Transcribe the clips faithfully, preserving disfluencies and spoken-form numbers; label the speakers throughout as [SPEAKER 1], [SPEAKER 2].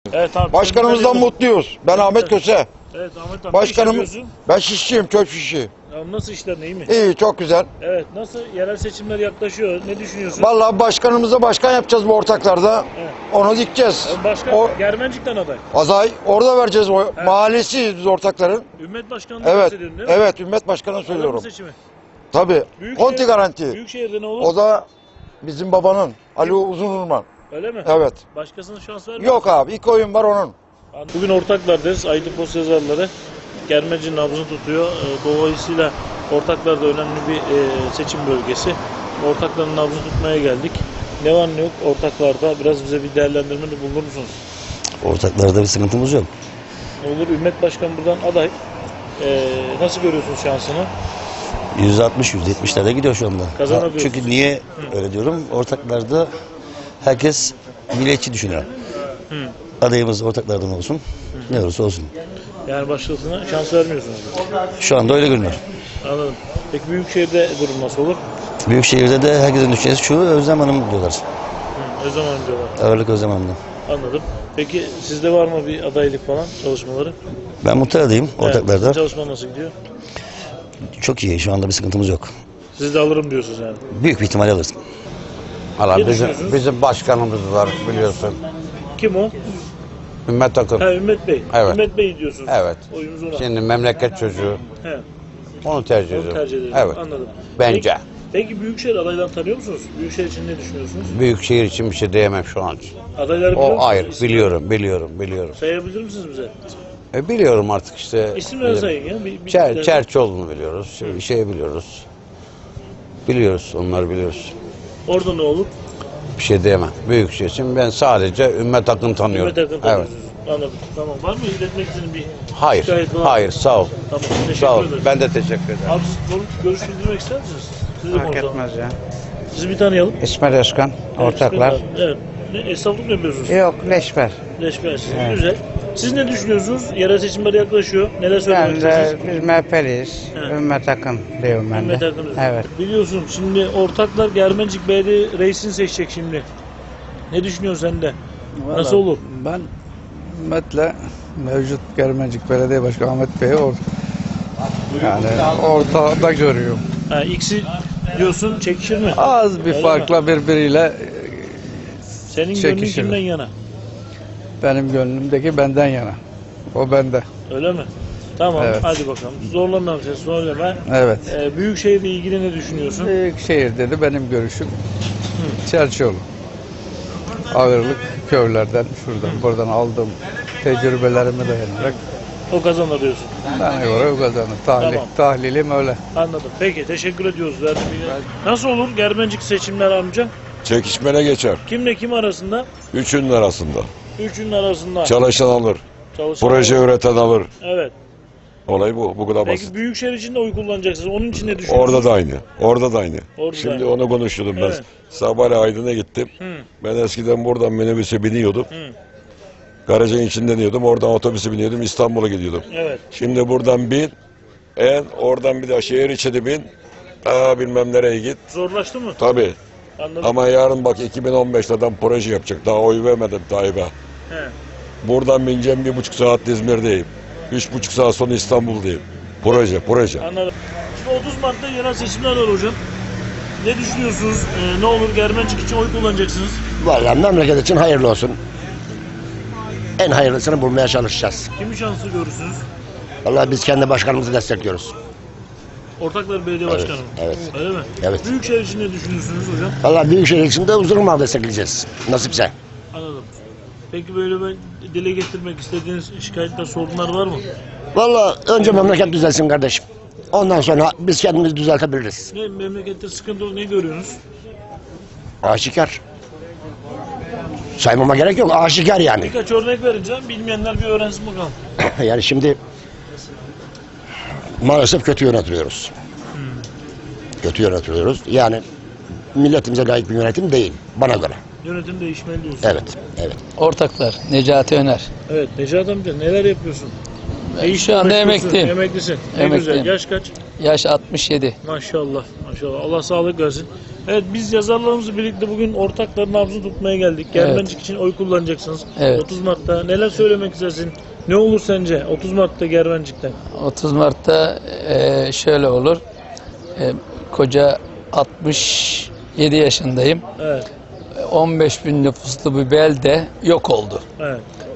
[SPEAKER 1] Evet abi.
[SPEAKER 2] Başkanımızdan mutluyuz. Ben Ahmet Köse.
[SPEAKER 1] Evet Ahmet abi.
[SPEAKER 2] Başkanımız, ben şişçiyim, çöp şişi.
[SPEAKER 1] Ya nasıl işler, iyi mi?
[SPEAKER 2] İyi, çok güzel.
[SPEAKER 1] Evet, nasıl yerel seçimler yaklaşıyor? Ne düşünüyorsun?
[SPEAKER 2] Vallahi başkanımıza başkan yapacağız bu ortaklarda.
[SPEAKER 1] Evet.
[SPEAKER 2] Onu dikeceğiz.
[SPEAKER 1] Başkan
[SPEAKER 2] O
[SPEAKER 1] Germencik'ten aday.
[SPEAKER 2] aday orada vereceğiz. O
[SPEAKER 1] Evet.
[SPEAKER 2] mahallesiyiz biz ortakların.
[SPEAKER 1] Ümmet Başkanı'ndan
[SPEAKER 2] Evet.
[SPEAKER 1] bahsediyorsun değil mi?
[SPEAKER 2] Evet, Ümmet Başkan'a
[SPEAKER 1] Aday mı
[SPEAKER 2] söylüyorum.
[SPEAKER 1] seçimi?
[SPEAKER 2] Tabii.
[SPEAKER 1] Büyükşehir-
[SPEAKER 2] Konti garanti.
[SPEAKER 1] Büyükşehir'de ne olur?
[SPEAKER 2] O da bizim babanın Ali Uzunurman.
[SPEAKER 1] Öyle mi?
[SPEAKER 2] Evet.
[SPEAKER 1] Başkasına şans vermiyor.
[SPEAKER 2] Yok abi, ilk oyun var onun.
[SPEAKER 1] Bugün ortaklardayız. Aydın Post yazarları Germencik'in nabzını tutuyor. Ee, Dolayısıyla ortaklarda önemli bir e, seçim bölgesi. Ortakların nabzını tutmaya geldik. Ne var ne yok ortaklarda, biraz bize bir değerlendirmede bulunur musunuz?
[SPEAKER 3] Ortaklarda bir sıkıntımız yok.
[SPEAKER 1] Olur, Ümmet Başkan buradan aday. Ee, nasıl görüyorsunuz şansını?
[SPEAKER 3] yüzde altmış yüzde yetmişlerde gidiyor şu anda.
[SPEAKER 1] Kazanabiliyoruz.
[SPEAKER 3] Çünkü niye öyle diyorum? Ortaklarda herkes milliyetçi düşünüyor.
[SPEAKER 1] Hı.
[SPEAKER 3] Adayımız ortaklardan olsun. Ne olursa olsun.
[SPEAKER 1] Yani başkasına şans vermiyorsunuz.
[SPEAKER 3] Şu anda öyle görünüyor.
[SPEAKER 1] Anladım. Peki Büyükşehir'de durum nasıl olur?
[SPEAKER 3] Büyükşehir'de de herkesin düşüncesi şu, Özlem Hanım diyorlar.
[SPEAKER 1] Hı, Özlem Hanım diyorlar.
[SPEAKER 3] Ağırlık Özlem Hanım'dan.
[SPEAKER 1] Anladım. Peki sizde var mı bir adaylık falan çalışmaları?
[SPEAKER 3] Ben muhtar adayım ortaklarda.
[SPEAKER 1] Evet, çalışma nasıl gidiyor?
[SPEAKER 3] Çok iyi. Şu anda bir sıkıntımız yok.
[SPEAKER 1] Siz de alırım diyorsunuz yani.
[SPEAKER 3] Büyük bir ihtimal alırız.
[SPEAKER 2] Valla
[SPEAKER 1] Ne
[SPEAKER 2] bizim,
[SPEAKER 1] düşünüyorsunuz?
[SPEAKER 2] bizim başkanımız var biliyorsun.
[SPEAKER 1] Kim o?
[SPEAKER 2] Ümmet Akın.
[SPEAKER 1] Ha, Ümmet Bey.
[SPEAKER 2] Evet.
[SPEAKER 1] Ümmet Bey diyorsunuz.
[SPEAKER 2] Evet.
[SPEAKER 1] Oyumuz ona.
[SPEAKER 2] Şimdi memleket çocuğu.
[SPEAKER 1] He,
[SPEAKER 2] Onu tercih
[SPEAKER 1] onu
[SPEAKER 2] ediyorum.
[SPEAKER 1] tercih ederiz.
[SPEAKER 2] Evet.
[SPEAKER 1] Anladım.
[SPEAKER 2] Bence.
[SPEAKER 1] Peki, peki Büyükşehir adaylarını tanıyor musunuz? Büyükşehir için ne düşünüyorsunuz?
[SPEAKER 2] Büyükşehir için bir şey diyemem şu an.
[SPEAKER 1] Adayları biliyor
[SPEAKER 2] O
[SPEAKER 1] musunuz?
[SPEAKER 2] ayrı.
[SPEAKER 1] İsim-
[SPEAKER 2] Biliyorum, biliyorum, biliyorum.
[SPEAKER 1] Sayabilir misiniz bize?
[SPEAKER 2] E, biliyorum artık işte.
[SPEAKER 1] İsimleri sayın ya. Bir, bir
[SPEAKER 2] Çer,
[SPEAKER 1] bir-
[SPEAKER 2] Çerçoğlu'nu biliyoruz. Şey, şey biliyoruz. Biliyoruz, onları biliyoruz.
[SPEAKER 1] Orada ne olur?
[SPEAKER 2] Bir şey diyemem. Büyükşehir için ben sadece Ümmet Akın tanıyorum.
[SPEAKER 1] Ümmet Akın
[SPEAKER 2] Evet.
[SPEAKER 1] tanıyorsunuz. Anladım. Tamam. Var mı iletmek istediğin bir
[SPEAKER 2] Hayır,
[SPEAKER 1] şikayet var?
[SPEAKER 2] hayır. Sağ ol.
[SPEAKER 1] Tamam. Teşekkür
[SPEAKER 2] Sağ ol.
[SPEAKER 1] ederim.
[SPEAKER 2] Ben de teşekkür ederim.
[SPEAKER 1] Abi siz görüş, görüş bildirmek ister misiniz? Sizi
[SPEAKER 4] Fark
[SPEAKER 1] konuşalım.
[SPEAKER 4] etmez ya.
[SPEAKER 1] Sizi bir tanıyalım.
[SPEAKER 4] İsmail Özkan,
[SPEAKER 1] Evet,
[SPEAKER 4] ortaklar.
[SPEAKER 1] Evet. Ne, esnaflık mı yapıyorsunuz?
[SPEAKER 4] Yok, leşber.
[SPEAKER 1] Leşber. Siz
[SPEAKER 4] Evet.
[SPEAKER 1] güzel. Siz ne düşünüyorsunuz? Yerel seçimler yaklaşıyor. Neler söylemek
[SPEAKER 4] Ben
[SPEAKER 1] istersiniz?
[SPEAKER 4] de biz M H P'liyiz.
[SPEAKER 1] Evet.
[SPEAKER 4] Ümmet Akın diyorum ben
[SPEAKER 1] Ümmet
[SPEAKER 4] de.
[SPEAKER 1] Akın'ız.
[SPEAKER 4] Evet.
[SPEAKER 1] Biliyorsun şimdi ortaklar Germencik Belediye reisini seçecek şimdi. Ne düşünüyorsun sen de? Nasıl olur?
[SPEAKER 5] Ben Ümmet'le mevcut Germencik Belediye Başkanı Ahmet Bey'i or yani ortada görüyorum.
[SPEAKER 1] Ha, X'i diyorsun çekişir mi?
[SPEAKER 5] Az bir
[SPEAKER 1] Öyle mi?
[SPEAKER 5] farkla birbiriyle
[SPEAKER 1] Senin gönlün
[SPEAKER 5] çekişir.
[SPEAKER 1] kimden yana?
[SPEAKER 5] benim gönlümdeki benden yana. O bende.
[SPEAKER 1] Öyle mi? Tamam
[SPEAKER 5] Evet.
[SPEAKER 1] hadi bakalım. Zorlamam seni söyleme.
[SPEAKER 5] Evet.
[SPEAKER 1] Ee, Büyükşehir'le ilgili ne düşünüyorsun?
[SPEAKER 5] Büyükşehir dedi benim görüşüm. Çerçoğlu. Ağırlık köylerden şuradan buradan aldığım tecrübelerime dayanarak
[SPEAKER 1] O kazanır diyorsun.
[SPEAKER 5] bana göre o kazanır. Tahlil,
[SPEAKER 1] Tamam.
[SPEAKER 5] Tahlilim öyle.
[SPEAKER 1] Anladım. Peki teşekkür ediyoruz. Verdiğin bilgiler. Nasıl olur Germencik seçimler amca?
[SPEAKER 6] Çekişmene geçer.
[SPEAKER 1] Kimle kim arasında?
[SPEAKER 6] Üçünün arasında.
[SPEAKER 1] Üçünün arasında.
[SPEAKER 6] Çalışan alır.
[SPEAKER 1] Çalışan
[SPEAKER 6] Proje
[SPEAKER 1] olur.
[SPEAKER 6] üreten alır.
[SPEAKER 1] Evet.
[SPEAKER 6] Olay bu. Bu kadar basit.
[SPEAKER 1] Peki Büyükşehir için de oy kullanacaksınız. Onun için ne düşünüyorsunuz?
[SPEAKER 6] Orada da aynı. Orada da aynı.
[SPEAKER 1] Orada da
[SPEAKER 6] Şimdi
[SPEAKER 1] aynı.
[SPEAKER 6] onu konuşuyordum ben.
[SPEAKER 1] Evet.
[SPEAKER 6] Sabah Aydın'a gittim.
[SPEAKER 1] Hı.
[SPEAKER 6] Ben eskiden buradan minibüse biniyordum.
[SPEAKER 1] Hı.
[SPEAKER 6] Garajın içinde iniyordum. Oradan otobüse biniyordum. İstanbul'a gidiyordum.
[SPEAKER 1] Evet.
[SPEAKER 6] Şimdi buradan bin. En oradan bir daha şehir içine bin. Aa bilmem nereye git.
[SPEAKER 1] Zorlaştı mı?
[SPEAKER 6] Tabii.
[SPEAKER 1] Anladım.
[SPEAKER 6] Ama yarın bak iki bin on beşte adam proje yapacak. Daha oy vermedim Tayyip'e.
[SPEAKER 1] He.
[SPEAKER 6] Buradan bineceğim bir buçuk saat İzmir'deyim. Üç buçuk saat sonra İstanbul'dayım. Proje, proje.
[SPEAKER 1] Anladım. Şimdi otuz Mart'ta yerel seçimler var hocam. Ne düşünüyorsunuz? Ee, ne olur Germencik için oy kullanacaksınız.
[SPEAKER 7] Vallahi memleket için hayırlı olsun. En hayırlısını bulmaya çalışacağız.
[SPEAKER 1] Kimi şanslı görürsünüz?
[SPEAKER 7] Vallahi biz kendi başkanımızı destekliyoruz.
[SPEAKER 1] Ortaklar Belediye
[SPEAKER 7] Evet,
[SPEAKER 1] Başkanı.
[SPEAKER 7] evet.
[SPEAKER 1] Öyle mi?
[SPEAKER 7] Evet.
[SPEAKER 1] Büyükşehir için ne düşünüyorsunuz hocam?
[SPEAKER 7] Vallahi Büyükşehir için de Uzunurman'ı destekleyeceğiz. Nasipse.
[SPEAKER 1] Anladım. Peki böyle ben dile getirmek istediğiniz şikayetler, sorunlar var mı?
[SPEAKER 7] Vallahi önce memleket düzelsin kardeşim. Ondan sonra biz kendimizi düzeltebiliriz.
[SPEAKER 1] Ne memlekette sıkıntı olur, ne görüyorsunuz?
[SPEAKER 7] Aşikar. Saymama gerek yok. Aşikar yani.
[SPEAKER 1] Birkaç örnek vereceğim. Bilmeyenler bir öğrensin bakalım.
[SPEAKER 7] Yani şimdi maalesef kötü yönetiliyoruz. Kötü yönetiliyoruz. Yani milletimize layık bir yönetim değil bana göre.
[SPEAKER 1] Yönetim değişmeli diyorsun.
[SPEAKER 7] Evet, evet.
[SPEAKER 8] Ortaklar Necati Öner.
[SPEAKER 1] Evet Necat amca neler yapıyorsun? Ne işle
[SPEAKER 8] Şu anda
[SPEAKER 1] uğraşıyorsun?
[SPEAKER 8] emekliyim.
[SPEAKER 1] Emeklisin. Ne
[SPEAKER 8] Emekliyim.
[SPEAKER 1] güzel. Yaş kaç?
[SPEAKER 8] Yaş altmış yedi.
[SPEAKER 1] Maşallah. Maşallah. Allah sağlık versin. Evet, biz yazarlarımızla birlikte bugün ortakların nabzını tutmaya geldik. Germencik için oy kullanacaksınız.
[SPEAKER 8] Evet.
[SPEAKER 1] otuz Mart'ta neler söylemek istersin? Ne olur sence otuz Mart'ta Germencik'te?
[SPEAKER 8] otuz Mart'ta e, şöyle olur. E, koca altmış yedi yaşındayım.
[SPEAKER 1] Evet.
[SPEAKER 8] on beş bin nüfuslu bir belde yok oldu.
[SPEAKER 1] Evet.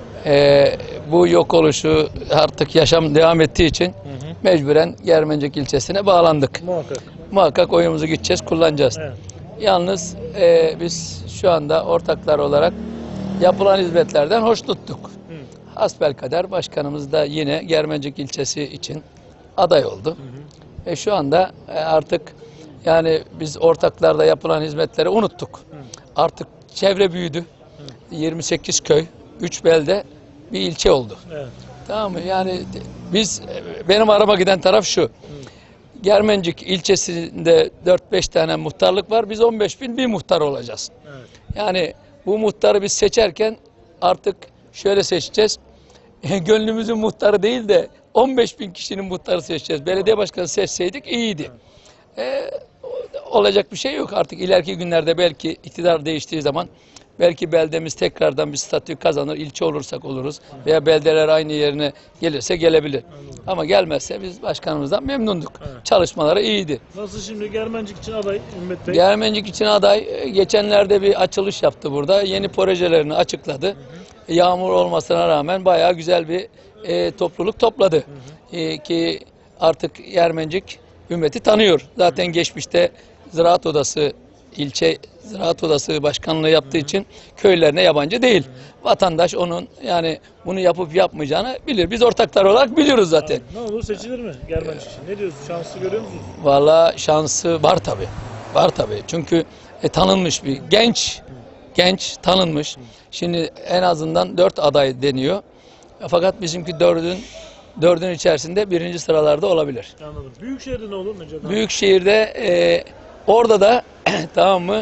[SPEAKER 8] E, bu yok oluşu artık yaşam devam ettiği için
[SPEAKER 1] Hı hı.
[SPEAKER 8] mecburen Germencik ilçesine bağlandık.
[SPEAKER 1] Muhakkak.
[SPEAKER 8] Muhakkak oyumuzu gideceğiz, kullanacağız.
[SPEAKER 1] Evet.
[SPEAKER 8] Yalnız e, biz şu anda ortaklar olarak yapılan hizmetlerden hoşnuttuk.
[SPEAKER 1] Hı.
[SPEAKER 8] Hasbelkader başkanımız da yine Germencik ilçesi için aday oldu. Ve şu anda e, artık yani biz ortaklarda yapılan hizmetleri unuttuk.
[SPEAKER 1] Hı.
[SPEAKER 8] Artık çevre büyüdü. yirmi sekiz köy, üç belde bir ilçe oldu.
[SPEAKER 1] Evet.
[SPEAKER 8] Tamam mı? Yani biz benim arama giden taraf şu. Germencik ilçesinde dört beş tane muhtarlık var. Biz on beş bin bir muhtar olacağız.
[SPEAKER 1] Evet.
[SPEAKER 8] Yani bu muhtarı biz seçerken artık şöyle seçeceğiz. Gönlümüzün muhtarı değil de on beş bin kişinin muhtarı seçeceğiz. Belediye başkanı seçseydik iyiydi. Ee, olacak bir şey yok. Artık ileriki günlerde belki iktidar değiştiği zaman belki beldemiz tekrardan bir statü kazanır. İlçe olursak oluruz. Veya beldeler aynı yerine gelirse gelebilir. Ama gelmezse biz başkanımızdan memnunduk.
[SPEAKER 1] Evet.
[SPEAKER 8] Çalışmaları iyiydi.
[SPEAKER 1] Nasıl şimdi Germencik için aday Ümmet Bey?
[SPEAKER 8] Germencik için aday e, geçenlerde bir açılış yaptı burada. Yeni projelerini açıkladı. Hı hı. Yağmur olmasına rağmen bayağı güzel bir e, topluluk topladı. Hı hı. E, ki artık Germencik Ümmet'i tanıyor. Zaten geçmişte Ziraat Odası, ilçe Ziraat Odası başkanlığı yaptığı için köylerine yabancı değil. Vatandaş onun yani bunu yapıp yapmayacağını bilir. Biz ortaklar olarak biliyoruz zaten.
[SPEAKER 1] Ne olur seçilir mi Germencik için? Ne diyorsun? Şanslı görüyor musunuz?
[SPEAKER 8] Vallahi şansı var tabii. Var tabii. Çünkü e, tanınmış bir genç, genç tanınmış. Şimdi en azından dört aday deniyor. Fakat bizimki dördün dördün içerisinde birinci sıralarda olabilir.
[SPEAKER 1] Anladım. Büyükşehir'de ne olur Necat?
[SPEAKER 8] Büyükşehir'de e, orada da tamam mı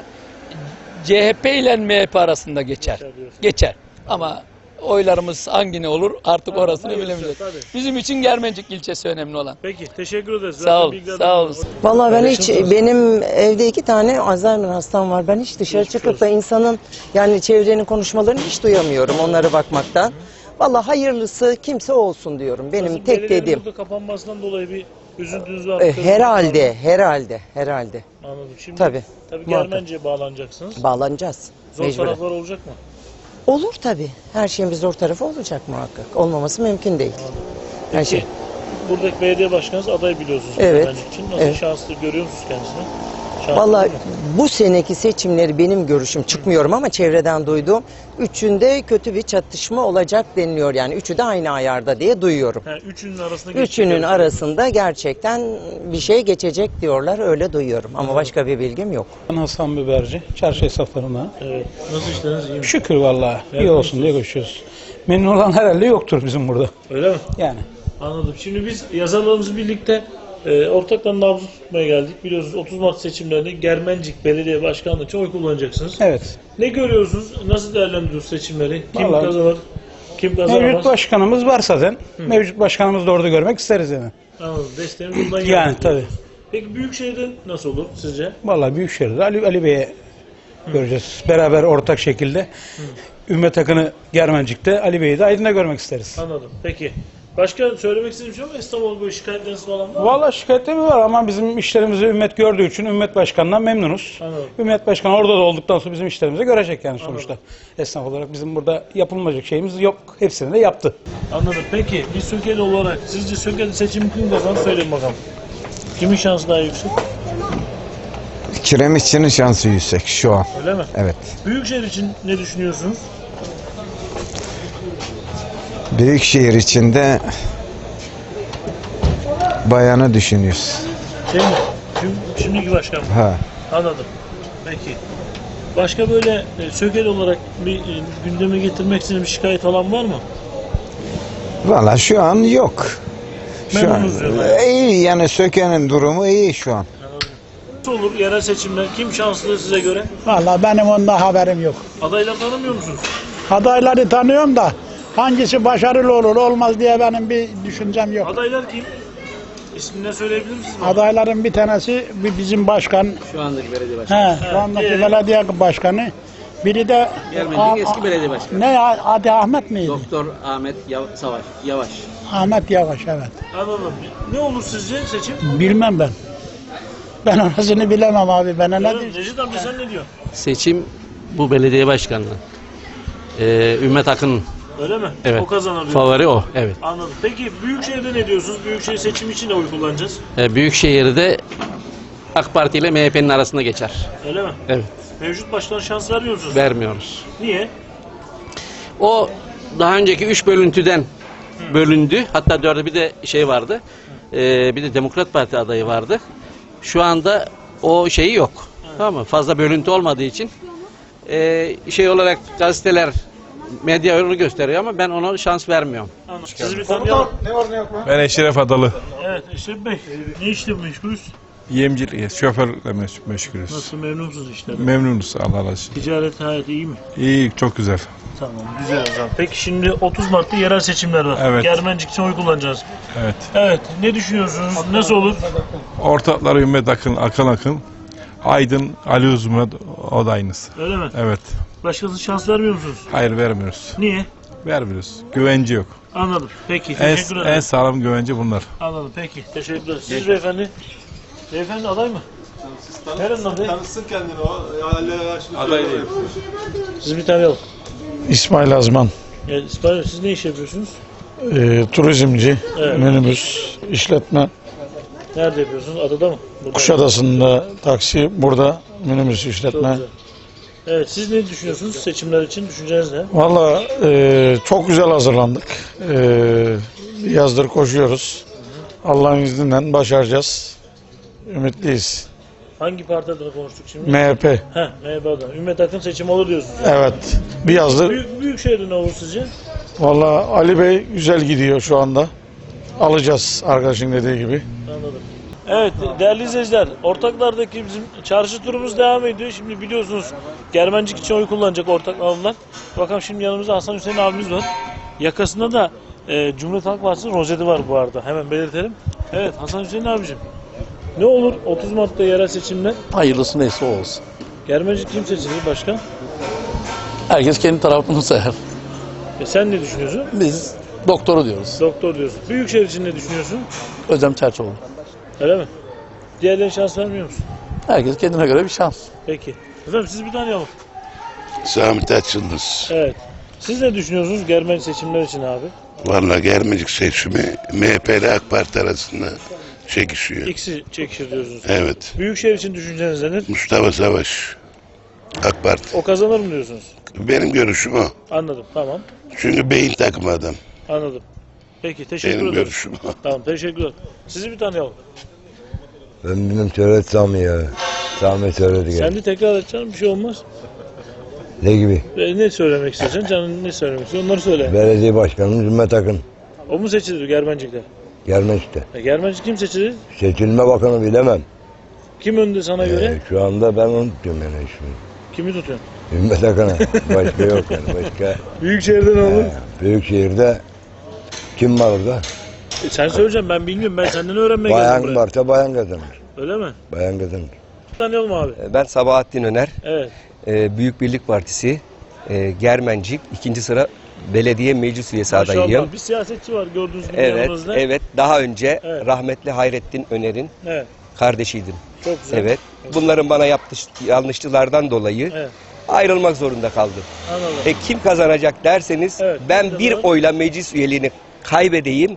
[SPEAKER 8] C H P ile M H P arasında geçer.
[SPEAKER 1] Geçer diyorsun.
[SPEAKER 8] Geçer. Ama oylarımız hangi ne olur artık
[SPEAKER 1] Ha,
[SPEAKER 8] orasını
[SPEAKER 1] hayırlısı,
[SPEAKER 8] bilemeyeceğiz.
[SPEAKER 1] tabii.
[SPEAKER 8] Bizim için Germencik ilçesi önemli olan.
[SPEAKER 1] Peki teşekkür ederiz.
[SPEAKER 8] Sağ
[SPEAKER 1] Zaten
[SPEAKER 8] ol,
[SPEAKER 1] bilgiler
[SPEAKER 8] sağ ol.
[SPEAKER 1] bunlar.
[SPEAKER 9] Vallahi ben hiç,
[SPEAKER 1] Paylaşımsınız.
[SPEAKER 9] benim evde iki tane Alzheimer hastam var. Ben hiç dışarı
[SPEAKER 1] Geçmiş
[SPEAKER 9] çıkıp da
[SPEAKER 1] olsun.
[SPEAKER 9] insanın yani çevrenin konuşmalarını hiç duyamıyorum onlara bakmaktan. Vallahi hayırlısı kimse olsun diyorum. Benim
[SPEAKER 1] Nasıl,
[SPEAKER 9] tek
[SPEAKER 1] belediyenin
[SPEAKER 9] dediğim.
[SPEAKER 1] burada kapanmasından dolayı bir üzüntünüz var.
[SPEAKER 9] E,
[SPEAKER 1] kırgınlık var
[SPEAKER 9] herhalde,
[SPEAKER 1] mı?
[SPEAKER 9] herhalde, herhalde.
[SPEAKER 1] Anladım. Şimdi
[SPEAKER 9] Tabii,
[SPEAKER 1] tabii
[SPEAKER 9] muhakkak.
[SPEAKER 1] Germencik'e bağlanacaksınız.
[SPEAKER 9] Bağlanacağız.
[SPEAKER 1] Zor
[SPEAKER 9] Mecburen.
[SPEAKER 1] taraflar olacak mı?
[SPEAKER 9] Olur tabii. Her şeyin bir zor tarafı olacak muhakkak. Olmaması mümkün değil. Her
[SPEAKER 1] Peki,
[SPEAKER 9] şey.
[SPEAKER 1] buradaki belediye başkanınız aday biliyorsunuz
[SPEAKER 9] Evet,
[SPEAKER 1] Germencik için. Nasıl
[SPEAKER 9] evet.
[SPEAKER 1] şanslı görüyor musunuz kendisini? Şanslı
[SPEAKER 9] Vallahi
[SPEAKER 1] değil mi?
[SPEAKER 9] bu seneki seçimleri benim görüşüm çıkmıyorum ama çevreden duyduğum üçünde kötü bir çatışma olacak deniliyor. Yani üçü de aynı ayarda diye duyuyorum.
[SPEAKER 1] Ha, üçünün arasında geçecek
[SPEAKER 9] Üçünün
[SPEAKER 1] yarışma.
[SPEAKER 9] arasında gerçekten bir şey geçecek diyorlar. Öyle duyuyorum ama başka bir bilgim yok.
[SPEAKER 10] Ben Hasan Biberci, çarşı esnaflarından.
[SPEAKER 1] Evet. Nasıl işleriniz iyi mi?
[SPEAKER 10] Şükür vallahi iyi
[SPEAKER 1] Evet,
[SPEAKER 10] olsun diye koşuyoruz. Memnun olan herhalde yoktur bizim burada.
[SPEAKER 1] Öyle mi?
[SPEAKER 10] Yani.
[SPEAKER 1] Anladım. Şimdi biz yazarlarımız birlikte e, ortakla nabzı tutmaya geldik. Biliyorsunuz otuz Mart seçimlerinde Germencik Belediye Başkanlığı için oy kullanacaksınız.
[SPEAKER 10] Evet.
[SPEAKER 1] Ne görüyorsunuz? Nasıl değerlendiriyorsunuz seçimleri? Kim
[SPEAKER 10] Vallahi-
[SPEAKER 1] kazanır? Kim kazanamaz?
[SPEAKER 10] Mevcut başkanımız var zaten. Mevcut başkanımızı da orada görmek isteriz yani.
[SPEAKER 1] Anladım. Desteğimiz bundan
[SPEAKER 10] Yani
[SPEAKER 1] geldi.
[SPEAKER 10] tabii.
[SPEAKER 1] Peki Büyükşehir'de nasıl olur sizce?
[SPEAKER 10] Vallahi Büyükşehir'de Ali, Ali Bey'e göreceğiz. Beraber ortak şekilde. Ümmet Akın'ı Germencik'te, Ali Bey'i de Aydın'da görmek isteriz.
[SPEAKER 1] Anladım. Peki. Başka söylemek istediğim bir şey var mı? İstanbul böyle şikayetleriniz falan var mı?
[SPEAKER 10] Vallahi şikayetleri var ama bizim işlerimizi Ümmet gördüğü için Ümmet Başkan'dan memnunuz.
[SPEAKER 1] Anladım.
[SPEAKER 10] Ümmet Başkan orada da olduktan sonra bizim işlerimizi görecek yani sonuçta. Esnaf olarak bizim burada yapılmayacak şeyimiz yok. Hepsini de yaptı.
[SPEAKER 1] Anladım. Peki bir Söke'li olarak sizce Söke'de seçim kim kazanır söyleyin bakalım. Kimin şansı daha yüksek?
[SPEAKER 11] Kiremitçinin şansı yüksek şu an.
[SPEAKER 1] Öyle mi?
[SPEAKER 11] Evet.
[SPEAKER 1] Büyükşehir için ne düşünüyorsunuz?
[SPEAKER 11] Büyükşehir içinde bayanı düşünüyoruz.
[SPEAKER 1] Şey mi? Şimdi, şimdiki başkan mı?
[SPEAKER 11] Ha.
[SPEAKER 1] Anladım. Peki. Başka böyle e, Söke'li olarak bir e, gündeme getirmek için bir şikayet falan var mı?
[SPEAKER 11] Valla şu an yok. Şu an
[SPEAKER 1] Memnunuz diyorlar.
[SPEAKER 11] iyi yani Söke'nin durumu iyi şu an.
[SPEAKER 1] Nasıl olur yerel seçimler? Kim şanslı size göre?
[SPEAKER 12] Vallahi benim ondan haberim yok.
[SPEAKER 1] Adayları tanımıyor musunuz?
[SPEAKER 12] Adayları tanıyorum da hangisi başarılı olur olmaz diye benim bir düşüncem yok.
[SPEAKER 1] Adaylar kim? İsmini söyleyebilir misiniz?
[SPEAKER 12] Adayların bir tanesi bir bizim başkan.
[SPEAKER 13] Şu andaki belediye başkanı.
[SPEAKER 12] He, şu andaki
[SPEAKER 1] diğeri?
[SPEAKER 12] belediye başkanı. Biri de
[SPEAKER 13] Germencik eski belediye başkanı.
[SPEAKER 12] ne ya, adı Ahmet miydi?
[SPEAKER 13] Doktor Ahmet Yav- Savaş, Yavaş.
[SPEAKER 12] Ahmet Yavaş, evet.
[SPEAKER 1] Anladım. Ne olur sizce seçim?
[SPEAKER 12] Bilmem ben. Ben orasını bilemem abi. Bana ne
[SPEAKER 1] Yarın
[SPEAKER 12] diyeyim?
[SPEAKER 1] Necdet amca sen ne diyorsun?
[SPEAKER 13] Seçim bu belediye başkanlığı. Ee, Ümmet Akın
[SPEAKER 1] Öyle mi?
[SPEAKER 13] Evet.
[SPEAKER 1] O kazanır diyor.
[SPEAKER 13] favori o. Evet.
[SPEAKER 1] Anladım. Peki Büyükşehir'de ne diyorsunuz? Büyükşehir seçimi için de oy kullanacağız.
[SPEAKER 13] Ee, Büyükşehir'de AK Parti ile M H P'nin arasında geçer.
[SPEAKER 1] Öyle mi?
[SPEAKER 13] Evet.
[SPEAKER 1] Mevcut başkan şans vermiyor musunuz?
[SPEAKER 13] Vermiyoruz.
[SPEAKER 1] Niye?
[SPEAKER 13] O daha önceki üç bölüntüden bölündü. Hatta dörde bir de şey vardı. Ee, bir de Demokrat Parti adayı vardı. Şu anda o şeyi yok. Tamam mı? Fazla bölüntü olmadığı için ee, şey olarak gazeteler, medya onu gösteriyor ama ben ona şans vermiyorum.
[SPEAKER 1] Anladım. Sizi bir tanıyalım.
[SPEAKER 14] Ben Eşref Adalı.
[SPEAKER 1] Evet Eşref Bey. Ne işle meşgulüz?
[SPEAKER 14] Yemcilik, şoförle meş- meşgulüz.
[SPEAKER 1] Nasıl memnun musunuz işlerden?
[SPEAKER 14] Memnunuz Allah razı olsun.
[SPEAKER 1] Ticaret hayatı iyi mi?
[SPEAKER 14] İyi, çok güzel.
[SPEAKER 1] Tamam güzel o zaman. Peki şimdi otuz Mart'ta yerel seçimler var.
[SPEAKER 14] Evet.
[SPEAKER 1] Germencik için oy kullanacağız.
[SPEAKER 14] Evet.
[SPEAKER 1] Evet. Ne düşünüyorsunuz? Nasıl olur?
[SPEAKER 14] Ortakları Ümmet Akın, Akın Akın. Aydın, Ali Uzman o da aynısı.
[SPEAKER 1] Öyle mi?
[SPEAKER 14] Evet.
[SPEAKER 1] Başkası şans vermiyor musunuz?
[SPEAKER 14] Hayır vermiyoruz.
[SPEAKER 1] Niye?
[SPEAKER 14] Vermiyoruz. Güvence yok.
[SPEAKER 1] Anladım. Peki
[SPEAKER 14] En,
[SPEAKER 1] teşekkür ederim.
[SPEAKER 14] en sağlam güvence bunlar.
[SPEAKER 1] Anladım. Peki. Teşekkürler. Siz beyefendi? Beyefendi aday mı? Nerenin adayı?
[SPEAKER 15] Tanısın kendini o.
[SPEAKER 14] Aday değil.
[SPEAKER 1] Siz bir tanıyalım.
[SPEAKER 12] İsmail Azman.
[SPEAKER 1] Yani İsmail Bey, siz ne iş yapıyorsunuz?
[SPEAKER 12] Ee, turizmci,
[SPEAKER 1] Evet.
[SPEAKER 12] minibüs, işletme.
[SPEAKER 1] Nerede yapıyorsunuz? Adada mı? Burada.
[SPEAKER 12] Kuşadası'nda taksi, burada minibüs
[SPEAKER 1] Çok
[SPEAKER 12] işletme.
[SPEAKER 1] güzel. Evet siz ne düşünüyorsunuz seçimler için? Düşünceniz ne?
[SPEAKER 12] Valla e, çok güzel hazırlandık. E, yazdır koşuyoruz. Allah'ın izniyle başaracağız. Ümitliyiz.
[SPEAKER 1] Hangi parti adına konuştuk şimdi?
[SPEAKER 12] M H P.
[SPEAKER 1] Heh, M H P adına. Ümmet Akın seçimi olur diyorsunuz.
[SPEAKER 12] Evet. Bir yazdır.
[SPEAKER 1] Büyük, Büyükşehir'de ne olur sizce?
[SPEAKER 12] Valla Ali Bey güzel gidiyor şu anda. Alacağız arkadaşın dediği gibi.
[SPEAKER 1] Anladım. Evet değerli izleyiciler, ortaklardaki bizim çarşı turumuz devam ediyor. Şimdi biliyorsunuz Germencik için oy kullanacak ortak alımlar. Bakalım şimdi yanımızda Hasan Hüseyin abimiz var. Yakasında da e, Cumhuriyet Halk Partisi rozeti var bu arada. Hemen belirtelim. Evet Hasan Hüseyin abicim. Ne olur otuz Mart'ta yerel seçimler?
[SPEAKER 8] Hayırlısı neyse o olsun.
[SPEAKER 1] Germencik kim seçilir başkan?
[SPEAKER 8] Herkes kendi tarafını sayar.
[SPEAKER 1] E, sen ne düşünüyorsun?
[SPEAKER 8] Biz doktoru diyoruz.
[SPEAKER 1] Doktor diyorsun. Büyükşehir için ne düşünüyorsun?
[SPEAKER 8] Özlem Çerçoğlu.
[SPEAKER 1] Öyle mi? Diğerlerine şans vermiyor musun?
[SPEAKER 8] Herkes kendine göre bir şans.
[SPEAKER 1] Peki. Efendim siz bir tanıyalım.
[SPEAKER 16] Sami Taçyıldız.
[SPEAKER 1] Evet. Siz ne düşünüyorsunuz Germencik seçimler için abi?
[SPEAKER 16] Vallahi Germencik seçimi M H P ile AK Parti arasında çekişiyor.
[SPEAKER 1] İkisi çekişir diyorsunuz.
[SPEAKER 16] Evet.
[SPEAKER 1] Büyükşehir için düşünceniz nedir?
[SPEAKER 16] Mustafa Savaş. AK Parti.
[SPEAKER 1] O kazanır mı diyorsunuz?
[SPEAKER 16] Benim görüşüm o.
[SPEAKER 1] Anladım. Tamam.
[SPEAKER 16] Çünkü beyin takımı adam.
[SPEAKER 1] Anladım. Peki teşekkür
[SPEAKER 16] Benim
[SPEAKER 1] ederim.
[SPEAKER 16] görüşüm o.
[SPEAKER 1] Tamam teşekkürler. Sizi bir tanıyalım.
[SPEAKER 17] Ben bilmem söyledi Sami ya. Sami söyledi
[SPEAKER 1] Sen
[SPEAKER 17] gene.
[SPEAKER 1] de tekrar et canım bir şey olmaz.
[SPEAKER 17] Ne gibi?
[SPEAKER 1] E, ne söylemek istiyorsun? Canın ne söylemek istiyorsun? Onları söyle.
[SPEAKER 17] Belediye başkanımız Ümmet Akın.
[SPEAKER 1] O mu seçilir Germencik'te?
[SPEAKER 17] Gelmez işte.
[SPEAKER 1] E, Germencik kim seçilir?
[SPEAKER 17] Seçilme bakanı bilemem.
[SPEAKER 1] Kim önde sana göre?
[SPEAKER 17] Ee, şu anda ben onu tutuyorum yani şimdi.
[SPEAKER 1] Kimi tutuyorsun?
[SPEAKER 17] Ümmet Akın'a. Başka yok yani. Başka.
[SPEAKER 1] Büyükşehir'de ne olur?
[SPEAKER 17] Ee, Büyükşehir'de kim var orada?
[SPEAKER 1] E, sen söyleyeceksin ben bilmiyorum. Ben senden öğrenmeye geldim
[SPEAKER 17] Bayan
[SPEAKER 1] buraya.
[SPEAKER 17] varsa bayan kazanır.
[SPEAKER 1] Öyle mi?
[SPEAKER 17] Bayan kazanır.
[SPEAKER 1] Tanıyalım abi.
[SPEAKER 18] Ben Sabahattin Öner.
[SPEAKER 1] Evet.
[SPEAKER 18] Ee, Büyük Birlik Partisi, e, Germencik, ikinci sıra belediye meclis üyesi adayıyım.
[SPEAKER 1] Maşallah bir siyasetçi var gördüğünüz gibi
[SPEAKER 18] Evet,
[SPEAKER 1] yanımızda.
[SPEAKER 18] evet. Daha önce
[SPEAKER 1] Evet.
[SPEAKER 18] rahmetli Hayrettin Öner'in
[SPEAKER 1] Evet.
[SPEAKER 18] kardeşiydim.
[SPEAKER 1] Çok güzel.
[SPEAKER 18] Evet. Bunların bana yaptığı yanlışlıklardan dolayı
[SPEAKER 1] Evet.
[SPEAKER 18] ayrılmak zorunda kaldım.
[SPEAKER 1] Anladım.
[SPEAKER 18] E kim kazanacak derseniz
[SPEAKER 1] Evet,
[SPEAKER 18] ben
[SPEAKER 1] kim
[SPEAKER 18] bir
[SPEAKER 1] kazanır?
[SPEAKER 18] oyla meclis üyeliğini kaybedeyim.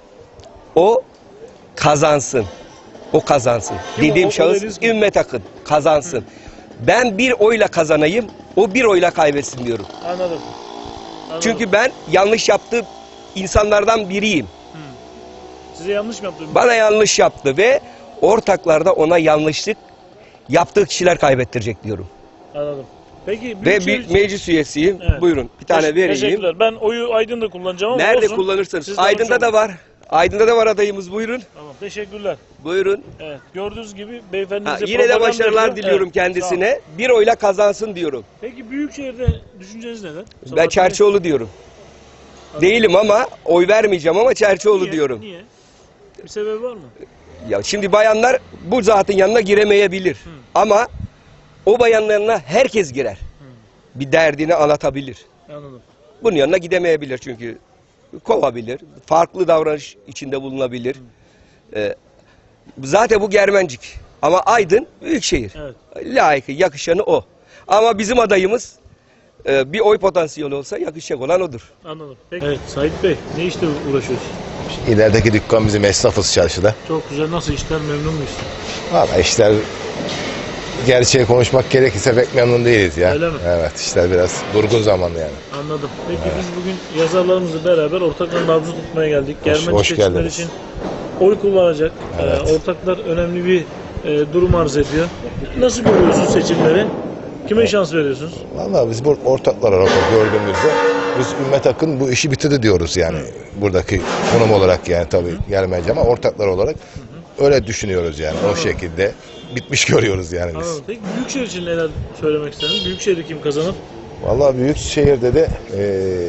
[SPEAKER 18] O kazansın. O kazansın.
[SPEAKER 1] Kim o?
[SPEAKER 18] Dediğim
[SPEAKER 1] O
[SPEAKER 18] şahıs
[SPEAKER 1] adayınız kim?
[SPEAKER 18] Ümmet Akın kazansın. Ben bir oyla kazanayım. O bir oyla kaybetsin diyorum.
[SPEAKER 1] Anladım. Anladım.
[SPEAKER 18] Çünkü ben yanlış yaptığı insanlardan biriyim.
[SPEAKER 1] Size yanlış mı yaptım?
[SPEAKER 18] Bana yanlış yaptı ve ortaklarda ona yanlışlık yaptığı kişiler kaybettirecek diyorum.
[SPEAKER 1] Anladım. Peki
[SPEAKER 18] Ve
[SPEAKER 1] Büyükşehir
[SPEAKER 18] bir
[SPEAKER 1] için-
[SPEAKER 18] meclis üyesiyim.
[SPEAKER 1] Evet.
[SPEAKER 18] Buyurun bir tane
[SPEAKER 1] Teş-
[SPEAKER 18] vereyim.
[SPEAKER 1] Teşekkürler. Ben oyu Aydın'da kullanacağım ama
[SPEAKER 18] Nerede
[SPEAKER 1] olsun.
[SPEAKER 18] kullanırsanız.
[SPEAKER 1] Siz de
[SPEAKER 18] Aydın'da
[SPEAKER 1] hoş
[SPEAKER 18] da
[SPEAKER 1] olun.
[SPEAKER 18] var. Aydın'da da var adayımız, buyurun.
[SPEAKER 1] Tamam teşekkürler.
[SPEAKER 18] Buyurun.
[SPEAKER 1] Evet gördüğünüz gibi beyefendi
[SPEAKER 18] Ha,
[SPEAKER 1] bize
[SPEAKER 18] yine de
[SPEAKER 1] propaganda
[SPEAKER 18] başarılar
[SPEAKER 1] yapıyor.
[SPEAKER 18] diliyorum
[SPEAKER 1] Evet, sağ
[SPEAKER 18] kendisine.
[SPEAKER 1] olun.
[SPEAKER 18] Bir oyla kazansın diyorum.
[SPEAKER 1] Peki Büyükşehir'de düşünceniz neler?
[SPEAKER 18] Ben
[SPEAKER 1] Sabahattin Bey?
[SPEAKER 18] Çerçioğlu diyorum. Değilim ama oy vermeyeceğim ama Çerçioğlu
[SPEAKER 1] Niye?
[SPEAKER 18] diyorum.
[SPEAKER 1] Niye? Bir sebebi var mı?
[SPEAKER 18] Ya şimdi bayanlar bu zatın yanına giremeyebilir.
[SPEAKER 1] Hı.
[SPEAKER 18] Ama o bayanların yanına herkes girer. Hı. Bir derdini anlatabilir.
[SPEAKER 1] Anladım.
[SPEAKER 18] Bunun yanına gidemeyebilir çünkü kovabilir. Farklı davranış içinde bulunabilir. Ee, zaten bu Germencik. Ama Aydın büyükşehir.
[SPEAKER 1] Evet.
[SPEAKER 18] Layıkı, yakışanı o. Ama bizim adayımız e, bir oy potansiyeli olsa yakışacak olan odur.
[SPEAKER 1] Anladım. Peki. Evet Sait Bey ne işle uğraşıyorsun?
[SPEAKER 15] İlerideki dükkan bizim esnafız çarşıda.
[SPEAKER 1] Çok güzel. Nasıl işler? Memnun muyuz?
[SPEAKER 15] Valla işler gerçeği konuşmak gerekirse pek memnun değiliz ya.
[SPEAKER 1] Öyle mi?
[SPEAKER 15] Evet işler biraz durgun zamanlı yani.
[SPEAKER 1] Anladım. Peki biz bugün yazarlarımızla beraber ortakların nabzını tutmaya geldik.
[SPEAKER 15] Hoş-
[SPEAKER 1] Germencik
[SPEAKER 15] hoş
[SPEAKER 1] seçimleri
[SPEAKER 15] geldiniz.
[SPEAKER 1] için oy kullanacak.
[SPEAKER 15] Evet.
[SPEAKER 1] Ee, ortaklar önemli bir e, durum arz ediyor. Nasıl görüyorsunuz seçimleri? Kime şans veriyorsunuz?
[SPEAKER 15] Valla biz bu ortaklar olarak gördüğümüzde biz Ümmet Akın bu işi bitirdi diyoruz yani. Buradaki konum olarak yani tabii gelmeyeceğim ama ortaklar olarak öyle düşünüyoruz yani. O şekilde bitmiş görüyoruz yani biz.
[SPEAKER 1] Anladım. Peki Büyükşehir için neler söylemek istediniz? Büyükşehir'de kim kazanır?
[SPEAKER 15] Valla Büyükşehir'de de eee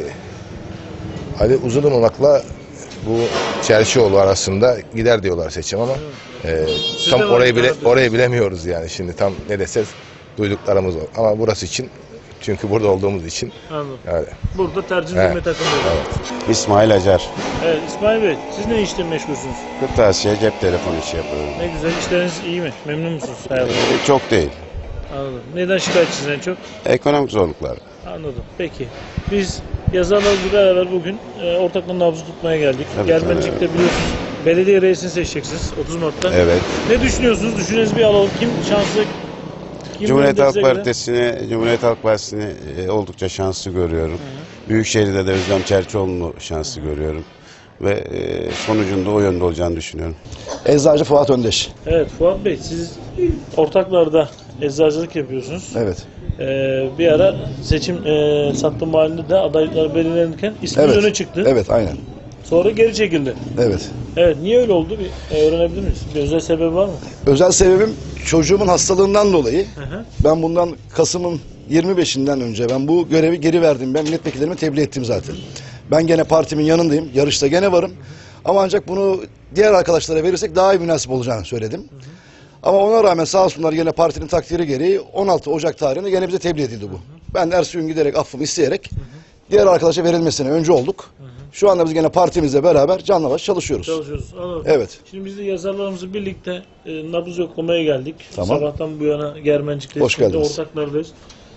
[SPEAKER 15] Ali Uzununak'la bu Çerşioğlu arasında gider diyorlar seçim ama eee,
[SPEAKER 1] Siz
[SPEAKER 15] tam
[SPEAKER 1] de
[SPEAKER 15] orayı bile
[SPEAKER 1] var
[SPEAKER 15] orayı bilemiyoruz yani şimdi tam ne desek duyduklarımız var. Ama burası için çünkü burada olduğumuz için
[SPEAKER 1] Anladım.
[SPEAKER 15] yani.
[SPEAKER 1] Burada tercih
[SPEAKER 15] Evet.
[SPEAKER 1] Ümmet Akın diyor.
[SPEAKER 15] Evet.
[SPEAKER 19] İsmail Acar.
[SPEAKER 1] Evet İsmail Bey siz ne işle meşgulsünüz?
[SPEAKER 19] Kırtasiye cep telefonu işi yapıyorum.
[SPEAKER 1] Ne güzel işleriniz iyi mi? Memnun musunuz hayatınızda?
[SPEAKER 19] E, Çok değil.
[SPEAKER 1] Anladım. Neden şikayetçisiniz en çok?
[SPEAKER 19] Ekonomik zorluklar.
[SPEAKER 1] Anladım. Peki. Biz yazarlarla beraber bugün e, ortakların nabzı tutmaya geldik.
[SPEAKER 19] Tabii,
[SPEAKER 1] Germencik'te
[SPEAKER 19] tabii.
[SPEAKER 1] biliyorsunuz belediye reisini seçeceksiniz otuz Mart'ta.
[SPEAKER 19] Evet.
[SPEAKER 1] Ne düşünüyorsunuz? Düşüncenizi bir alalım. Kim şanslı? Kim
[SPEAKER 19] Cumhuriyet
[SPEAKER 1] önde
[SPEAKER 19] Halk
[SPEAKER 1] size göre?
[SPEAKER 19] Partisi'ni Cumhuriyet Halk Partisi'ni e, oldukça şanslı görüyorum. Büyükşehir'de de Özlem Çerçioğlu'nu şanslı görüyorum. Ve e, sonucunda o yönde olacağını düşünüyorum.
[SPEAKER 3] Eczacı Fuat Öndeş.
[SPEAKER 1] Evet Fuat Bey siz ortaklarda eczacılık yapıyorsunuz.
[SPEAKER 3] Evet.
[SPEAKER 1] Ee, bir ara seçim e, sattım halinde de adaylıklar belirlenirken isminiz
[SPEAKER 3] Evet.
[SPEAKER 1] öne çıktı.
[SPEAKER 3] Evet, aynen.
[SPEAKER 1] Sonra geri çekildi.
[SPEAKER 3] Evet.
[SPEAKER 1] Evet niye öyle oldu? Bir e, öğrenebilir miyiz? Bir özel sebebi var mı?
[SPEAKER 3] Özel sebebim çocuğumun hastalığından dolayı.
[SPEAKER 1] Hı hı.
[SPEAKER 3] Ben bundan Kasım'ın yirmi beşinden önce ben bu görevi geri verdim. Ben milletvekillerime tebliğ ettim zaten. Ben gene partimin yanındayım. Yarışta gene varım. Ama ancak bunu diğer arkadaşlara verirsek daha iyi münasip olacağını söyledim. Hı hı. Ama ona rağmen sağ olsunlar gene partinin takdiri gereği on altı Ocak tarihinde gene bize tebliğ edildi bu. Hı hı. Ben de ertesi gün giderek affımı isteyerek hı hı. diğer arkadaşa verilmesine önce olduk. Hı hı. Şu anda biz gene partimizle beraber canla başla çalışıyoruz.
[SPEAKER 1] Çalışıyoruz. Anladım.
[SPEAKER 3] Evet.
[SPEAKER 1] Şimdi biz de yazarlarımızı birlikte e, nabız yoklamaya geldik.
[SPEAKER 3] Tamam.
[SPEAKER 1] Sabahtan bu yana Germencik'teyiz.
[SPEAKER 3] Hoş geldiniz.
[SPEAKER 1] Ortaklardayız.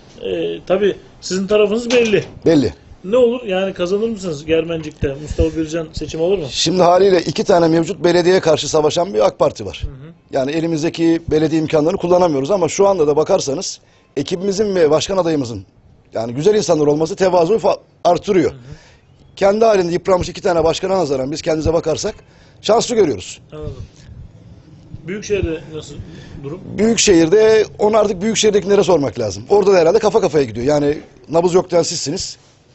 [SPEAKER 1] E, tabii sizin tarafınız belli.
[SPEAKER 3] Belli.
[SPEAKER 1] Ne olur yani kazanır mısınız Germencik'te? Mustafa Bircan seçim olur mu?
[SPEAKER 3] Şimdi haliyle iki tane mevcut belediyeye karşı savaşan bir AK Parti var. Hı hı. Yani elimizdeki belediye imkanlarını kullanamıyoruz ama şu anda da bakarsanız ekibimizin ve başkan adayımızın yani güzel insanlar olması tevazuyu fa- artırıyor. Hı hı. Kendi halinde yıpranmış iki tane başkana nazaran biz kendimize bakarsak şanslı görüyoruz.
[SPEAKER 1] Anladım. Büyükşehir'de nasıl durum?
[SPEAKER 3] Büyükşehir'de onu artık Büyükşehir'dekilere sormak lazım. Orada da herhalde kafa kafaya gidiyor. Yani nabız yok diyen sizsiniz.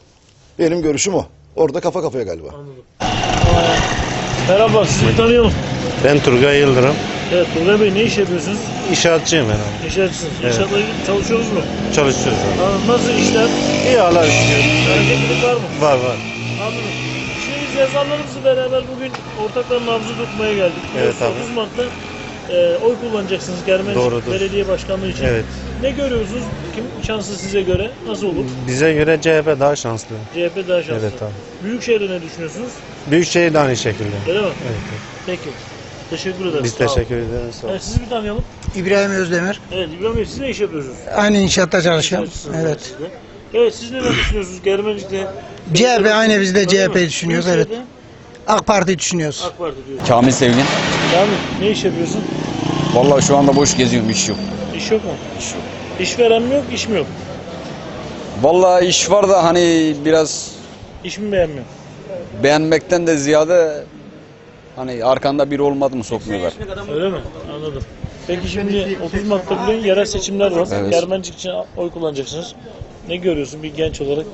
[SPEAKER 3] Benim görüşüm o. Orada kafa kafaya galiba.
[SPEAKER 1] Anladım. Aa, merhaba sizi bir tanıyalım.
[SPEAKER 20] Ben Turgay Yıldırım.
[SPEAKER 1] Evet Turgay Bey ne iş yapıyorsunuz?
[SPEAKER 20] İnşaatçıyım ben abi.
[SPEAKER 1] İnşaatçısınız.
[SPEAKER 20] Evet.
[SPEAKER 1] İnşaatla ilgili çalışıyoruz mu?
[SPEAKER 20] Çalışıyoruz abi.
[SPEAKER 1] Aa, nasıl işler?
[SPEAKER 20] İyi Allah'a şükür.
[SPEAKER 1] Hareketlilik var mı?
[SPEAKER 20] Var var.
[SPEAKER 1] Anladım. Şimdi biz yazarlarımızla beraber bugün ortakların nabzı tutmaya geldik.
[SPEAKER 20] Evet abi.
[SPEAKER 1] otuz Mart'ta e, oy kullanacaksınız Germencik
[SPEAKER 20] Doğrudur.
[SPEAKER 1] Belediye Başkanlığı için.
[SPEAKER 20] Evet.
[SPEAKER 1] Ne görüyorsunuz? Kim şanslı size göre? Nasıl olur?
[SPEAKER 20] Bize göre C H P daha şanslı.
[SPEAKER 1] C H P daha şanslı.
[SPEAKER 20] Evet abi.
[SPEAKER 1] Büyükşehir'de ne düşünüyorsunuz?
[SPEAKER 20] Büyükşehir de aynı şekilde.
[SPEAKER 1] Öyle mi?
[SPEAKER 20] Evet.
[SPEAKER 1] Peki. Teşekkür ederiz.
[SPEAKER 20] Biz
[SPEAKER 1] Sağ olun.
[SPEAKER 20] teşekkür ederiz. Sağ olun.
[SPEAKER 1] Evet, sizi bir tanıyalım.
[SPEAKER 21] İbrahim Özdemir.
[SPEAKER 1] Evet İbrahim Bey siz ne iş yapıyorsunuz?
[SPEAKER 21] Aynı inşaatta çalışıyorum.
[SPEAKER 1] İnşaatçısınız
[SPEAKER 21] Evet.
[SPEAKER 1] siz de. Evet siz neler düşünüyorsunuz Germencik'te?
[SPEAKER 21] C H P aynı biz de C H P
[SPEAKER 1] Öyle mi?
[SPEAKER 21] düşünüyoruz. Evet.
[SPEAKER 1] Büyükşehir'de
[SPEAKER 21] AK Parti düşünüyoruz.
[SPEAKER 1] AK Parti diyor.
[SPEAKER 22] Kamil Sevgin.
[SPEAKER 1] Kamil ne iş yapıyorsun?
[SPEAKER 22] Vallahi şu anda boş geziyorum, iş yok.
[SPEAKER 1] İş yok mu?
[SPEAKER 22] İş yok.
[SPEAKER 1] İşveren mi yok, iş mi yok?
[SPEAKER 22] Vallahi iş var da hani biraz
[SPEAKER 1] İş mi beğenmiyor?
[SPEAKER 22] beğenmekten de ziyade hani arkanda biri olmadı mı sokmuyorlar.
[SPEAKER 1] Öyle mi? Anladım. Peki şimdi otuz Mart'ta bugün yerel seçimler var.
[SPEAKER 22] Evet.
[SPEAKER 1] Germencik için oy kullanacaksınız. Ne görüyorsun bir genç olarak?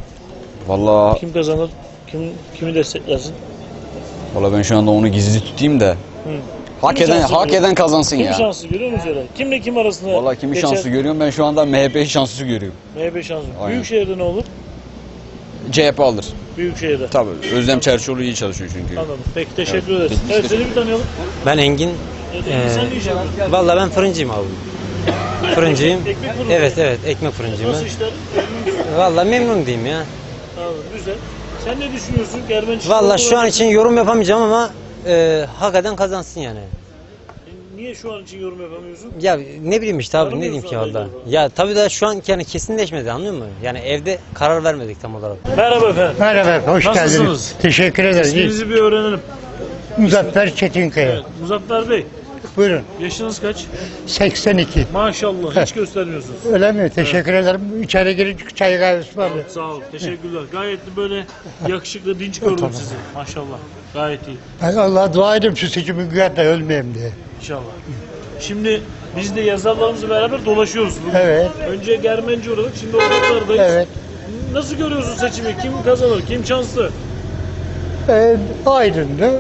[SPEAKER 22] Vallahi
[SPEAKER 1] Kim kazanır? Kim kimi desteklersin?
[SPEAKER 22] vallahi ben şu anda onu gizli tutayım da
[SPEAKER 1] Hı.
[SPEAKER 22] hak
[SPEAKER 1] Kimi
[SPEAKER 22] eden
[SPEAKER 1] şanslı
[SPEAKER 22] hak
[SPEAKER 1] görüyorsun?
[SPEAKER 22] eden kazansın
[SPEAKER 1] Kim
[SPEAKER 22] ya.
[SPEAKER 1] şanslı görüyor musun öyle? Kimle kim arasında?
[SPEAKER 22] Vallahi kimi
[SPEAKER 1] geçer?
[SPEAKER 22] şanslı görüyorum ben şu anda M H P'yi şanslı görüyorum.
[SPEAKER 1] M H P şanslı.
[SPEAKER 22] Aynen.
[SPEAKER 1] Büyükşehir'de ne olur?
[SPEAKER 22] C H P alır.
[SPEAKER 1] Büyükşehir'de.
[SPEAKER 22] Tabii. Özlem Çerçioğlu iyi çalışıyor çünkü.
[SPEAKER 1] Anladım. Peki teşekkür ederiz. Evet seni bir tanıyalım.
[SPEAKER 2] Ben Engin.
[SPEAKER 1] Evet, Engin, sen ne iş yapıyorsun?
[SPEAKER 2] Valla ben fırıncıyım abi. Fırıncıyım.
[SPEAKER 1] Ekmek fırını.
[SPEAKER 2] Evet evet ekmek fırıncıyım
[SPEAKER 1] Nasıl
[SPEAKER 2] ben.
[SPEAKER 1] işler?
[SPEAKER 2] Valla memnun diyeyim ya.
[SPEAKER 1] Tamam, güzel. Sen ne düşünüyorsun? Germençik
[SPEAKER 2] Valla şu an için yorum yapamayacağım ama e, hakikaten kazansın yani.
[SPEAKER 1] Niye şu an için yorum yapamıyorsun?
[SPEAKER 2] Ya ne bileyim işte abi ne
[SPEAKER 1] Tanımıyorsun
[SPEAKER 2] diyeyim ki
[SPEAKER 1] adayı
[SPEAKER 2] valla.
[SPEAKER 1] galiba.
[SPEAKER 2] Ya tabii da şu an yani kesinleşmedi anlıyor musun? Yani evde karar vermedik tam olarak.
[SPEAKER 1] Merhaba efendim.
[SPEAKER 4] Merhaba, hoş
[SPEAKER 1] Nasılsınız?
[SPEAKER 4] geldiniz. Teşekkür ederiz.
[SPEAKER 1] İsminizi bir öğrenelim.
[SPEAKER 4] Muzaffer Çetinkaya.
[SPEAKER 1] Evet, Muzaffer Bey,
[SPEAKER 4] Buyurun.
[SPEAKER 1] yaşınız kaç?
[SPEAKER 4] seksen iki.
[SPEAKER 1] Maşallah, hiç göstermiyorsunuz.
[SPEAKER 4] Öyle mi? Teşekkür ederim. İçeri girince çay kahvesi var.
[SPEAKER 1] Evet, sağ olun, teşekkürler. Gayet de böyle yakışıklı, dinç gördüm
[SPEAKER 4] Tamam.
[SPEAKER 1] sizi. Maşallah, gayet iyi.
[SPEAKER 4] Ben Allah'a dua edeyim şu seçimi güven de ölmeyeyim diye.
[SPEAKER 1] İnşallah. Şimdi biz de yazarlarımızla beraber dolaşıyoruz. Bugün.
[SPEAKER 4] Evet.
[SPEAKER 1] Önce Germenci uğradık, şimdi ortaklardayız.
[SPEAKER 4] Evet.
[SPEAKER 1] Nasıl görüyorsun seçimi? Kim kazanır? Kim şanslı?
[SPEAKER 4] Ee, Aydın'da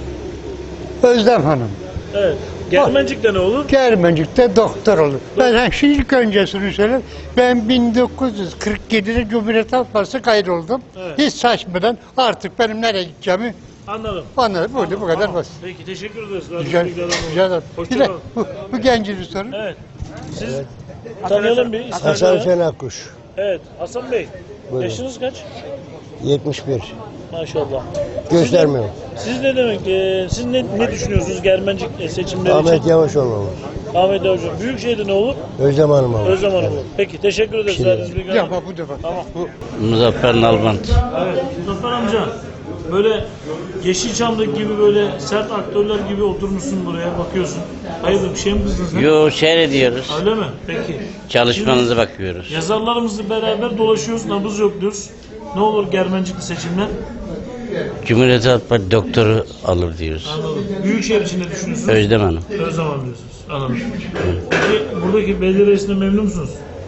[SPEAKER 4] Özlem Hanım.
[SPEAKER 1] Evet. Germencik'te ne olur?
[SPEAKER 4] Germencik'te doktor olur. Ben ha, şimdi ilk öncesini söyleyeyim. Ben bin dokuz yüz kırk yedide Cumhuriyet Halk Partisi kaydoldum.
[SPEAKER 1] Evet.
[SPEAKER 4] Hiç saçmadan artık benim nereye gideceğimi
[SPEAKER 1] Anladım.
[SPEAKER 4] anladım. Burada
[SPEAKER 1] Anladım,
[SPEAKER 4] bu kadar
[SPEAKER 1] tamam.
[SPEAKER 4] basit.
[SPEAKER 1] Peki teşekkür ederiz.
[SPEAKER 4] Rica, rica ederim. Bir de
[SPEAKER 1] Hoşçakalın.
[SPEAKER 4] bu, bu gencini sorun.
[SPEAKER 1] Evet. Siz tanıyalım bir. İsmail
[SPEAKER 17] Hasan
[SPEAKER 1] Bey.
[SPEAKER 17] Şenakkuş.
[SPEAKER 1] Evet. Hasan Bey.
[SPEAKER 17] Buyurun.
[SPEAKER 1] Yaşınız kaç?
[SPEAKER 17] yetmiş bir.
[SPEAKER 1] Maşallah.
[SPEAKER 17] Göstermiyor.
[SPEAKER 1] Siz, siz ne demek? E, siz ne, ne düşünüyorsunuz Germencik e, seçimleri
[SPEAKER 17] Ahmet
[SPEAKER 1] için?
[SPEAKER 17] Yavaş olmalı.
[SPEAKER 1] Ahmet Hocam. Büyükşehir'de ne olur?
[SPEAKER 17] Özlem Hanım abi.
[SPEAKER 1] Özlem Hanım olur. Peki teşekkür ederiz.
[SPEAKER 17] Şey-
[SPEAKER 1] verdiğiniz bilgiler.
[SPEAKER 4] Ya bak bu da bak.
[SPEAKER 1] Tamam.
[SPEAKER 13] Muzaffer Nalbant.
[SPEAKER 1] Evet. Muzaffer amca. Böyle Yeşilçam'daki gibi böyle sert aktörler gibi oturmuşsun buraya bakıyorsun. Hayırdır bir şey mi kızdın sen?
[SPEAKER 13] Yo seyrediyoruz.
[SPEAKER 1] Öyle mi? Peki.
[SPEAKER 13] Çalışmanıza bakıyoruz.
[SPEAKER 1] Yazarlarımızla beraber dolaşıyoruz, nabız yokluyoruz. Ne olur Germencikli seçimler?
[SPEAKER 13] Cumhuriyet Halk Partisi doktoru alır diyoruz.
[SPEAKER 1] Anladım. Büyükşehir için ne düşünüyorsunuz?
[SPEAKER 13] Özlem Hanım.
[SPEAKER 1] Özlem Hanım diyorsunuz. Anladım. Peki buradaki belediye reisine memnun musunuz?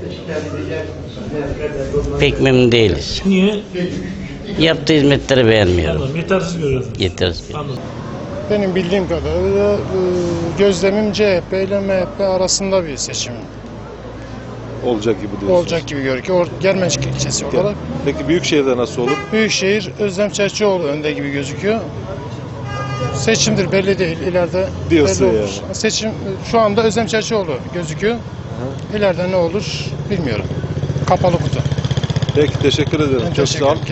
[SPEAKER 13] Pek memnun değiliz.
[SPEAKER 1] Niye?
[SPEAKER 13] Yaptığı hizmetleri beğenmiyorum.
[SPEAKER 1] Anladım. Yetersiz görüyorsunuz.
[SPEAKER 13] Yetersiz.
[SPEAKER 1] Anladım.
[SPEAKER 23] Benim bildiğim kadarıyla e, gözlemim C H P ile M H P arasında bir seçim
[SPEAKER 24] Olacak gibi diyorsunuz.
[SPEAKER 23] olacak gibi görünüyor. Or- Germencik ilçesi olarak.
[SPEAKER 24] Peki Büyükşehir'de nasıl olur?
[SPEAKER 23] Büyükşehir Özlem Çerçioğlu önde gibi gözüküyor. Seçimdir belli değil. İleride
[SPEAKER 24] Diyorsun
[SPEAKER 23] belli olur.
[SPEAKER 24] yani.
[SPEAKER 23] Seçim şu anda Özlem Çerçioğlu gözüküyor. İleride ne olur bilmiyorum. Kapalı kutu.
[SPEAKER 24] Peki teşekkür ederim.
[SPEAKER 23] Ben
[SPEAKER 24] Çok
[SPEAKER 23] teşekkür
[SPEAKER 24] sağ ol.
[SPEAKER 23] ederim.